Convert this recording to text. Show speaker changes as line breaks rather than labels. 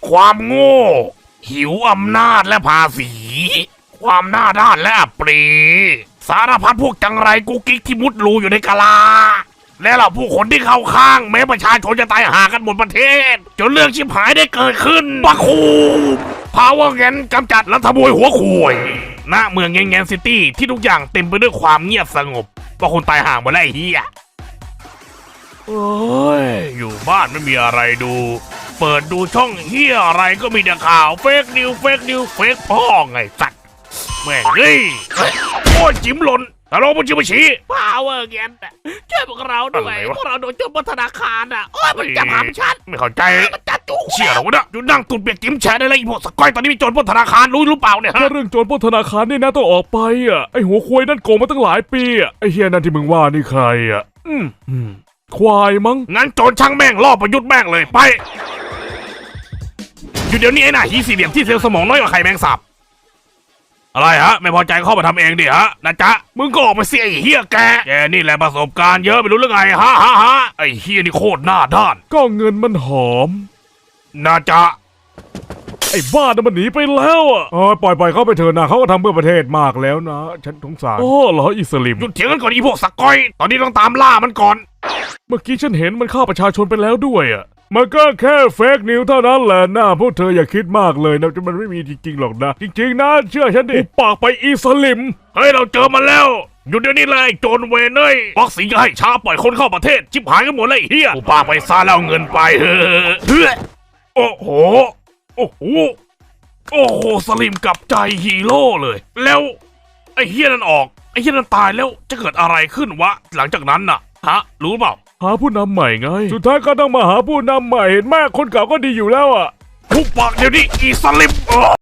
ความโง่หิวอำนาจและภาษี ความหน้าด้านและอับปรีสารพัดพวกจังไรกุ๊กกิ๊กที่มุดรูอยู่ในกะลา และเหล่าผู้คนที่เข้าข้างแม้ประชาชนจะตายหากันหมดประเทศจนเรื่องชิบหายได้เกิดขึ้นปักคูพาวเวอร์แกนกำจัดรัฐบวยหัวข่วยณเมืองแงนซิตี้ที่ทุกอย่างเต็มไปด้วยความเงียบสงบเพราะคนตายห่างหมดแล้วไอ้เหี้ยเอ้ยอยู่บ้านไม่มีอะไรดู เปิดดูช่องเหี้ยอะไรก็มีแต่ข่าวเฟกนิวเฟกพ่อไงสัตว์แม่งเฮ้ยโอ้ยจิ้มหล่นตลกมันจิ้มชี้พาวเวอร์แกนช่วยพวกเราด้วยพวกเราโดนโจมตีธนาคารโอ้ยมันจับหามฉันไม่เข้าใจมันจับจุกเชี่ยเหรอวะเนี่ยอยู่นั่งตุ่นเปียกจิ้มแฉได้เลยไอ้พวกสกอยตอนนี้มีโจรปล้นธนาคารรู้หรือเปล่าเนี่ย
แค่เรื่องโจรปล้นธนาคารนี่นะต้องออกไปไอหัวควายนั่นโกงมาตั้งหลายปีไอเฮียนั่นที่มึงว่านี่ใครควายมั้ง
งั้นโจรช่างแม่งล่อประยุทธ์แม่งเลยไปอยู่เดี๋ยวนี้ไอ้หน้าหีสี่เหลี่ยมที่เซลล์สมองน้อยกว่าไข่แมงสาบอะไรฮะไม่พอใจเข้ามาทำเองดิฮะนะจ๊ะมึงก็ออกมาเสียไอ้เฮียแกนี่แหละประสบการณ์เยอะไม่รู้เรื่องไงฮะไอ้เฮียนี่โคตรหน้าด้าน
ก็เงินมันหอม
นะจ๊ะ
ไอ้บ้าน่ะมันหนีไปแล้วปล่อยเขาไปเถอะนะเขาก็ทำเพื่อประเทศมากแล้วนะฉันสงสารเหรออิสลิม
หยุดเถียงกันก่อนอีพวกสกอยตอนนี้ต้องตามล่ามันก่อน
เมื่อกี้ฉันเห็นมันฆ่าประชาชนไปแล้วด้วยมันก็แค่เฟกนิวเท่านั้นแหละนะพวกเธออย่าคิดมากเลยนะมันไม่มีจริงๆหรอกนะจริงๆนะเชื่อฉันดิปากไปอิสลิม
เฮ้ยเราเจอมันแล้วหยุดเดี๋ยวนี้เลยโจรเวนเอ้ยวัคซีนจะให้ช้าปล่อยคนเข้าประเทศชิบหายกันหมดเลยเฮียกูปากไปซาแล้วเงินไปเฮ้ยโอ้โหสลิมกลับใจฮีโร่เลยแล้วไอ้เฮียนั่นออกไอ้เฮียนั่นตายแล้วจะเกิดอะไรขึ้นวะหลังจากนั้นน่ะรู้เปล่า
หาผู้นำใหม่ไงสุดท้ายก็ต้องมาหาผู้นำใหม่เห็นแม่คนเก่าก็ดีอยู่แล้ว
หุบปากเดี๋ยวนี้อีสลิม